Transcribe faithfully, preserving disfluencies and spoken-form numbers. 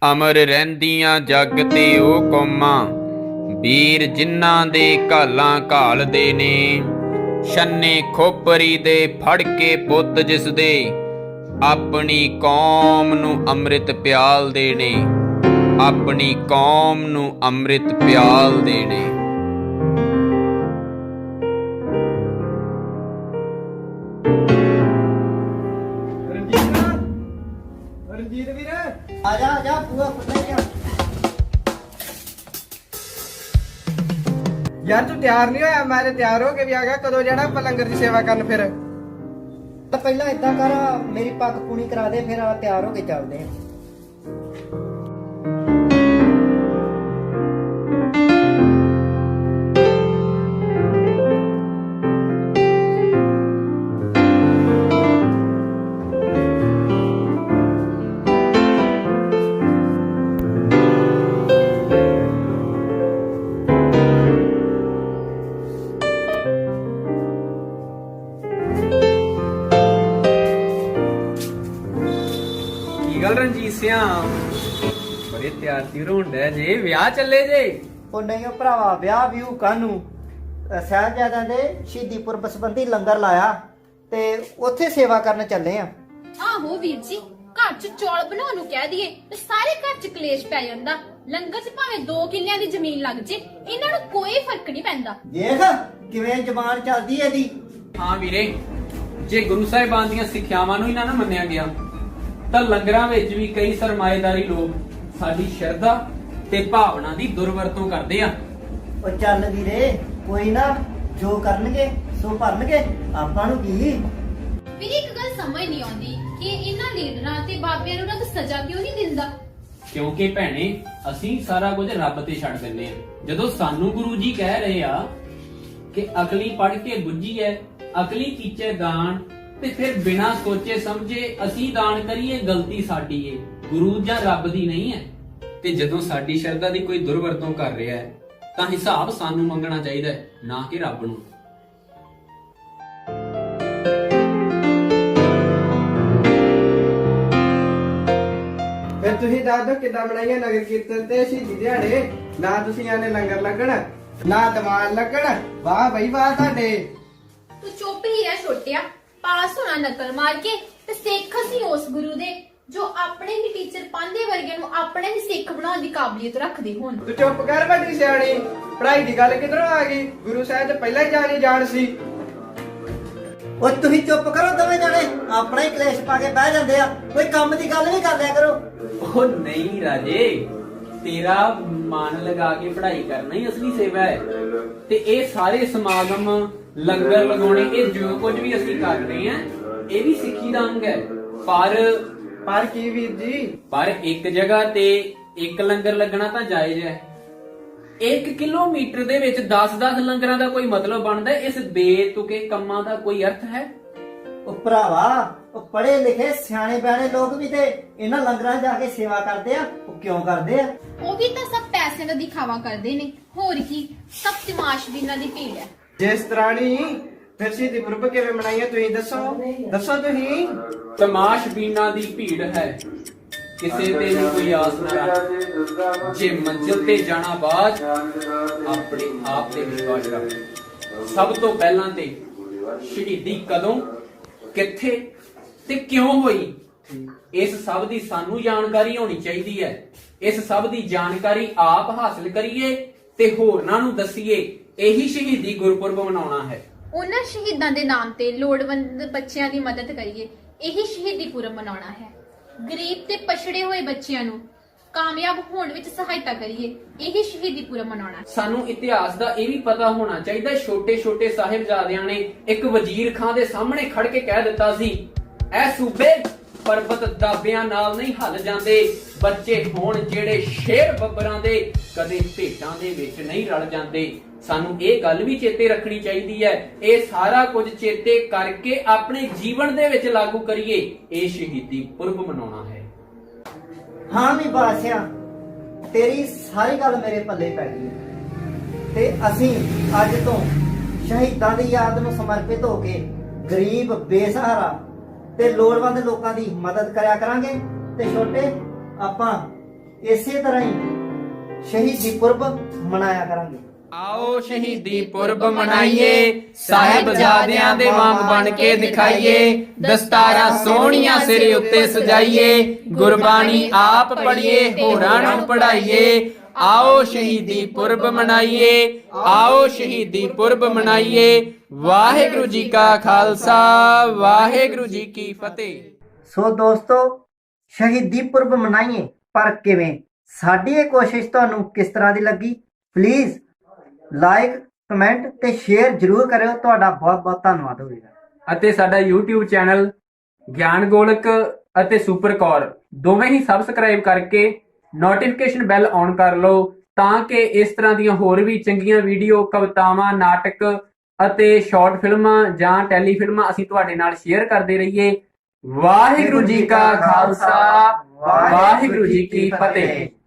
ਅਮਰ ਰਹਿੰਦੀਆਂ ਜੱਗ ਤੇ ਉਹ ਕੌਮਾਂ, ਵੀਰ ਜਿਨ੍ਹਾਂ ਦੇ ਘਾਲਾਂ ਘਾਲਦੇ ਨੇ। ਛੰਨੇ ਖੋਪਰੀ ਦੇ ਫੜ ਕੇ ਪੁੱਤ ਜਿਸ ਦੇ, ਆਪਣੀ ਕੌਮ ਨੂੰ ਅੰਮ੍ਰਿਤ ਪਿਆਲਦੇ ਨੇ, ਆਪਣੀ ਕੌਮ ਨੂੰ ਅੰਮ੍ਰਿਤ ਪਿਆਲਦੇ ਨੇ। ਰਣਜੀਤ ਵੀਰ ਆ ਜਾ ਆ ਜਾ ਪੂਰਾ ਫੁੱਟੇ ਜਾ। ਯਾਰ ਤੂੰ ਤਿਆਰ ਨਹੀਂ ਹੋਇਆ? ਮੈਂ ਤੇ ਤਿਆਰ ਹੋ ਕੇ ਵੀ ਆ ਗਿਆ। ਕਦੋਂ ਜਾਣਾ ਆਪਾਂ ਲੰਗਰ ਦੀ ਸੇਵਾ ਕਰਨ? ਫਿਰ ਤਾਂ ਪਹਿਲਾਂ ਇਦਾਂ ਕਰ, ਮੇਰੀ ਪੱਗ ਪੂਣੀ ਕਰਾ ਦੇ, ਫਿਰ ਆ ਤਿਆਰ ਹੋ ਕੇ ਚੱਲਦੇ ਆ। ਗੱਲ ਰਣਜੀਤ ਸਿਆ, ਬੜੇ ਤਿਆਰ ਤਿਉਰ ਹੋਣ ਡਿਆ ਜੇ, ਵਿਆਹ ਚੱਲੇ ਜੇ? ਉਹ ਨਹੀਂ ਉਹ ਭਰਾਵਾ, ਵਿਆਹ ਵਿਊ ਕਾਹਨੂੰ, ਸਾਹਿਬਜ਼ਾਦਿਆਂ ਦੇ ਸ਼ਹੀਦੀ ਪੁਰਬ ਸੰਬੰਧੀ ਲੰਗਰ ਲਾਇਆ ਤੇ ਉੱਥੇ ਸੇਵਾ ਕਰਨ ਚੱਲੇ ਆ। ਆਹੋ ਵੀਰ ਜੀ, ਘਰ ਚ ਚੌਲ ਬਣਾਉਣ ਨੂੰ ਕਹਿ ਦਈਏ ਤੇ ਸਾਰੇ ਘਰ ਚ ਕਲੇਸ਼ ਪੈ ਜਾਂਦਾ। ਲੰਗਰ ਚ ਭਾਵੇਂ ਦੋ ਕਿੱਲਿਆਂ ਦੀ ਜ਼ਮੀਨ ਲੱਗ ਜੇ, ਇਹਨਾਂ ਨੂੰ ਕੋਈ ਫਰਕ ਨਹੀਂ ਪੈਂਦਾ। ਦੇਖ ਕਿਵੇਂ ਜ਼ਬਾਨ ਚੱਲਦੀ ਏ ਇਹਦੀ। ਹਾਂ ਵੀਰੇ, ਜੇ ਗੁਰੂ ਸਾਹਿਬਾਨ ਦੀਆਂ ਸਿੱਖਿਆਵਾਂ ਨੂੰ ਹੀ ਨਾ ਨਾ ਮੰਨਿਆ ਗਿਆ ਤਾਂ ਲੰਗਰਾਂ ਵਿੱਚ ਵੀ ਕਈ ਸਰਮਾਏਦਾਰੀ ਲੋਕ ਸਾਡੀ ਸ਼ਰਧਾ ਤੇ ਭਾਵਨਾ ਦੀ ਦੁਰਵਰਤੋਂ ਕਰਦੇ ਆ। ਉਹ ਚੱਲ ਵੀਰੇ, ਕੋਈ ਨਾ, ਜੋ ਕਰਨਗੇ ਸੋ ਭਰਨਗੇ, ਆਪਾਂ ਨੂੰ ਕੀ। ਵੀਰੇ ਇੱਕ ਗੱਲ ਸਮਝ ਨਹੀਂ ਆਉਂਦੀ ਕਿ ਇਹਨਾਂ ਲੀਡਰਾਂ ਤੇ ਬਾਬਿਆਂ ਨੂੰ ਰੱਬ ਸਜ਼ਾ ਕਿਉਂ ਨਹੀਂ ਦਿੰਦਾ? ਕਿਉਂਕਿ ਭੈਣੇ, ਅਸੀਂ ਸਾਰਾ ਕੁਝ ਰੱਬ ਤੇ ਛੱਡ ਦਿੰਦੇ ਆ। ਜਦੋਂ ਸਾਨੂੰ ਗੁਰੂ ਜੀ ਕਹਿ ਰਹੇ ਆ ਕਿ ਅਕਲੀ ਪੜ ਕੇ ਬੁੱਝੀ ਐ, ਅਕਲੀ ਕੀਚੇ ਦਾਨ, ਤੇ ਫਿਰ ਬਿਨਾਂ ਸੋਚੇ ਸਮਝੇ ਅਸੀਂ ਦਾਨ ਕਰੀਏ, ਗਲਤੀ ਸਾਡੀ ਏ, ਗੁਰੂ ਜਾਂ ਰੱਬ ਦੀ ਨਹੀਂ ਹੈ। ਤੇ ਜਦੋਂ ਸਾਡੀ ਸ਼ਰਧਾ ਦੀ ਕੋਈ ਦੁਰਵਰਤੋਂ ਕਰ ਰਿਹਾ ਹੈ ਤਾਂ ਹਿਸਾਬ ਸਾਨੂੰ ਮੰਗਣਾ ਚਾਹੀਦਾ ਹੈ, ਨਾ ਕਿ ਰੱਬ ਨੂੰ। ਫਿਰ ਤੁਸੀਂ ਦੱਸ ਦਿਓ ਕਿੱਦਾਂ ਬਣਾਈਏ ਨਗਰ ਕੀਰਤਨ ਤੇ ਸ਼ਹੀਦੀ ਦਿਹਾੜੇ? ਨਾ ਤੁਸੀਂ ਆਨੇ ਲੰਗਰ ਲੱਗਣ, ਨਾ ਦੀਵਾਨ ਲੱਗਣ। ਵਾਹ ਬਈ ਵਾਹ ਤੁਹਾਡੇ। ਤੂੰ ਚੁੱਪ ਹੀ ਰਹਿ ਛੋਟਿਆ, ਪਾਸ ਹੋਣਾ ਨਕਲ ਮਾਰ ਕੇ ਤੇ ਸਿੱਖ ਅਸੀਂ ਉਸ ਗੁਰੂ ਦੇ ਜੋ ਆਪਣੇ ਹੀ ਟੀਚਰ ਪਾਂਦੇ ਵਰਗੇ ਨੂੰ ਆਪਣੇ ਹੀ ਸਿੱਖ ਬਣਾਉਣ ਦੀ ਕਾਬਲੀਅਤ ਰੱਖਦੇ ਹੋਣ। ਤੂੰ ਚੁੱਪ ਕਰ ਵੱਡੀ ਸਿਆਣੀ, ਪੜ੍ਹਾਈ ਦੀ ਗੱਲ ਕਿਧਰੋਂ ਆ ਗਈ? ਗੁਰੂ ਸਾਹਿਬ ਤੇ ਪਹਿਲਾਂ ਹੀ ਜਾਣੀ ਜਾਣ ਸੀ। ਉਹ ਤੁਸੀਂ ਚੁੱਪ ਕਰੋ ਦੋਵੇਂ ਜਣੇ, ਆਪਣਾ ਹੀ ਕਲੇਸ਼ ਪਾ ਕੇ ਬਹਿ ਜਾਂਦੇ ਆ। ਕੋਈ ਕੰਮ ਦੀ ਗੱਲ ਵੀ ਕਰ ਲਿਆ ਕਰੋ। ਉਹ ਨਹੀਂ ਰਾਜੇ, ਤੇਰਾ ਮਨ ਲਗਾ ਕੇ ਪੜ੍ਹਾਈ ਕਰਨਾ ਹੀ ਅਸਲੀ ਸੇਵਾ ਹੈ। ਤੇ ਇਹ ਸਾਰੇ ਸਮਾਗਮ, ਲੰਗਰ ਲਗਾਉਣੇ, ਇਹ ਜੋ ਕੁਝ ਵੀ ਅਸੀਂ ਕਰ ਰਹੇ ਹਾਂ, ਇਹ ਵੀ ਸਿੱਖੀ ਦਾ ਅੰਗ ਹੈ। ਪਰ ਪਰ ਕੀ ਵੀਰ ਜੀ? ਪਰ ਇੱਕ ਜਗ੍ਹਾ ਤੇ ਇੱਕ ਲੰਗਰ ਲੱਗਣਾ ਤਾਂ ਜਾਇਜ਼ ਹੈ। ਇੱਕ ਕਿਲੋਮੀਟਰ ਦੇ ਵਿੱਚ ਦਸ ਦਸ ਲੰਗਰਾਂ ਦਾ ਕੋਈ ਮਤਲਬ ਬਣਦਾ? ਇਸ ਬੇਤੁਕੇ ਕੰਮਾਂ ਦਾ ਕੋਈ ਅਰਥ ਹੈ? ਉਹ ਭਰਾਵਾ, ਉਹ ਪੜ੍ਹੇ ਲਿਖੇ ਸਿਆਣੇ ਬਿਆਣੇ ਲੋਕ ਵੀ ਤੇ ਇਹਨਾਂ ਲੰਗਰਾਂ 'ਚ ਜਾ ਕੇ ਸੇਵਾ ਕਰਦੇ ਆ। ਉਹ ਕਿਉਂ ਕਰਦੇ ਆ? ਉਹ ਵੀ ਤਾਂ ਸਭ ਪੈਸੇ ਦਾ ਦਿਖਾਵਾ ਕਰਦੇ ਨੇ, ਹੋਰ ਕੀ, ਸਭ ਤਮਾਸ਼ਬੀਨਾਂ ਦੀ ਭੀੜ ਹੈ। ਜਿਸ ਤਰ੍ਹਾਂ ਨਹੀਂ, ਫਿਰ ਸ਼ਹੀਦੀ ਪੁਰਬ ਕਿਵੇਂ ਮਨਾਈਏ ਤੁਸੀਂ ਦੱਸੋ? ਦੱਸੋ ਤੁਸੀਂ। ਤਮਾਸ਼ਬੀਨਾਂ ਦੀ ਭੀੜ ਹੈ, ਕਿਸੇ ਤੇ ਵੀ ਕੋਈ ਆਸ ਨਾ ਰੱਖ। ਜੇ ਮੰਜ਼ਿਲ ਤੇ ਜਾਣਾ ਬਾਅਦ, ਆਪਣੇ ਆਪ ਤੇ ਵਿਸ਼ਵਾਸ ਰੱਖ। ਸਭ ਤੋਂ ਪਹਿਲਾਂ ਤੇ ਸ਼ਹੀਦੀ ਕਦੋਂ, ਕਿੱਥੇ ਤੇ ਕਿਉਂ ਹੋਈ, ਇਸ ਸਭ ਦੀ ਸਾਨੂੰ ਜਾਣਕਾਰੀ ਹੋਣੀ ਚਾਹੀਦੀ ਹੈ। ਇਸ ਸਭ ਦੀ ਜਾਣਕਾਰੀ ਆਪ ਹਾਸਲ ਕਰੀਏ ਤੇ ਹੋਰਨਾਂ ਨੂੰ ਦਸੀਏ। ਇਹੀ ਸ਼ਹੀਦੀ ਗੁਰਪੁਰਬ ਮਨਾਉਣਾ ਹੈ। ਉਹਨਾਂ ਸ਼ਹੀਦਾਂ ਦੇ ਨਾਮ ਤੇ ਲੋੜਵੰਦ ਬੱਚਿਆਂ ਦੀ ਮਦਦ ਕਰੀਏ, ਇਹੀ ਸ਼ਹੀਦੀ ਪੁਰਬ ਮਨਾਉਣਾ ਹੈ। ਗਰੀਬ ਤੇ ਪਛੜੇ ਹੋਏ ਬੱਚਿਆਂ ਨੂੰ ਕਾਮਯਾਬ ਹੋਣ ਵਿੱਚ ਸਹਾਇਤਾ ਕਰੀਏ, ਇਹੀ ਸ਼ਹੀਦੀ ਪੁਰਬ ਮਨਾਉਣਾ ਹੈ। ਸਾਨੂੰ ਇਤਿਹਾਸ ਦਾ ਇਹ ਵੀ ਪਤਾ ਹੋਣਾ ਚਾਹੀਦਾ, ਛੋਟੇ ਛੋਟੇ ਸਾਹਿਬਜ਼ਾਦਿਆਂ ਨੇ ਇੱਕ ਵਜ਼ੀਰ ਖਾਂ ਦੇ ਸਾਹਮਣੇ ਖੜ ਕੇ ਕਹਿ ਦਿੱਤਾ ਸੀ, ਐ ਸੂਬੇ ਪਰਬਤ ਦਾਬਿਆਂ ਨਾਲ ਨਹੀਂ ਹੱਲ ਜਾਂਦੇ, ਬੱਚੇ ਹੋਣ ਜਿਹੜੇ ਸ਼ੇਰ ਬੱਬਰਾਂ ਦੇ, ਕਦੇ ਭੇਟਾਂ ਦੇ ਵਿੱਚ ਨਹੀਂ ਰਲ ਜਾਂਦੇ। ਸਾਨੂੰ ਇਹ ਗੱਲ ਵੀ ਚੇਤੇ ਰੱਖਣੀ ਚਾਹੀਦੀ ਹੈ। ਇਹ ਸਾਰਾ ਕੁਝ ਚੇਤੇ ਕਰਕੇ ਆਪਣੇ ਜੀਵਨ ਦੇ ਵਿੱਚ ਲਾਗੂ ਕਰੀਏ। ਇਹ ਸ਼ਹੀਦੀ ਪੁਰਬ ਮਨਾਉਣਾ ਹੈ। ਹਾਂ ਵੀ ਬਾਸਿਆ, ਤੇਰੀ ਸਾਰੀ ਗੱਲ ਮੇਰੇ ਪੱਲੇ ਪੈ ਗਈ ਤੇ ਅਸੀਂ ਅੱਜ ਤੋਂ ਸ਼ਹੀਦਾਂ ਦੀ ਯਾਦ ਨੂੰ ਸਮਰਪਿਤ ਹੋ ਕੇ ਗਰੀਬ, ਬੇਸਹਾਰਾ ਤੇ ਲੋੜਵੰਦ ਲੋਕਾਂ ਦੀ ਮਦਦ ਕਰਿਆ ਕਰਾਂਗੇ। ਤੇ ਛੋਟੇ ਆਪਾਂ ਇਸੇ ਤਰ੍ਹਾਂ ਹੀ ਸ਼ਹੀਦੀ ਪੁਰਬ ਮਨਾਇਆ ਕਰਾਂਗੇ। ਆਓ ਸ਼ਹੀਦੀ ਪੁਰਬ ਮਨਾਈਏ, ਸਾਹਿਬਜ਼ਾਦਿਆਂ ਦੇ ਵਾਂਗ ਬਣ ਕੇ ਦਿਖਾਈਏ, ਦਸਤਾਰਾਂ ਸੋਹਣੀਆਂ ਸਿਰੇ ਉੱਤੇ ਸਜਾਈਏ, ਗੁਰਬਾਣੀ ਆਪ ਪੜ੍ਹੀਏ, ਹੋਰਾਂ ਨੂੰ ਪੜ੍ਹਾਈਏ। ਆਓ ਸ਼ਹੀਦੀ ਪੁਰਬ ਮਨਾਈਏ, ਆਓ ਸ਼ਹੀਦੀ ਪੁਰਬ ਮਨਾਈਏ। ਵਾਹਿਗੁਰੂ ਜੀ ਕਾ ਖਾਲਸਾ, ਵਾਹਿਗੁਰੂ ਜੀ ਕੀ ਫਤਿਹ। ਸੋ ਦੋਸਤੋ, ਸ਼ਹੀਦੀ ਪੁਰਬ ਮਨਾਈਏ, ਪਰ ਕਿਵੇਂ? ਸਾਡੀ ਇਹ ਕੋਸ਼ਿਸ਼ ਤੁਹਾਨੂੰ ਕਿਸ ਤਰ੍ਹਾਂ ਦੀ ਲੱਗੀ? ਪਲੀਜ਼ ਲਾਈਕ, ਕਮੈਂਟ ਤੇ ਸ਼ੇਅਰ ਜ਼ਰੂਰ ਕਰਿਓ। ਤੁਹਾਡਾ ਬਹੁਤ ਬਹੁਤ ਧੰਨਵਾਦ ਹੋਵੇਗਾ। ਅਤੇ ਸਾਡਾ YouTube ਚੈਨਲ ਗਿਆਨ ਗੋਲਕ ਅਤੇ ਸੁਪਰ ਕੌਰ ਦੋਵੇਂ ਹੀ ਸਬਸਕ੍ਰਾਈਬ ਕਰਕੇ ਨੋਟੀਫਿਕੇਸ਼ਨ ਬੈਲ ਔਨ ਕਰ ਲਓ, ਤਾਂ ਕਿ ਇਸ ਤਰ੍ਹਾਂ ਦੀਆਂ ਹੋਰ ਵੀ ਚੰਗੀਆਂ ਵੀਡੀਓ, ਕਵਿਤਾਵਾਂ, ਨਾਟਕ ਅਤੇ ਸ਼ਾਰਟ ਫਿਲਮਾਂ ਜਾਂ ਟੈਲੀ ਫਿਲਮਾਂ ਅਸੀਂ ਤੁਹਾਡੇ ਨਾਲ ਸ਼ੇਅਰ ਕਰਦੇ ਰਹੀਏ। ਵਾਹਿਗੁਰੂ ਜੀ ਕਾ ਖਾਲਸਾ, ਵਾਹਿਗੁਰੂ ਜੀ ਕੀ ਫਤਿਹ।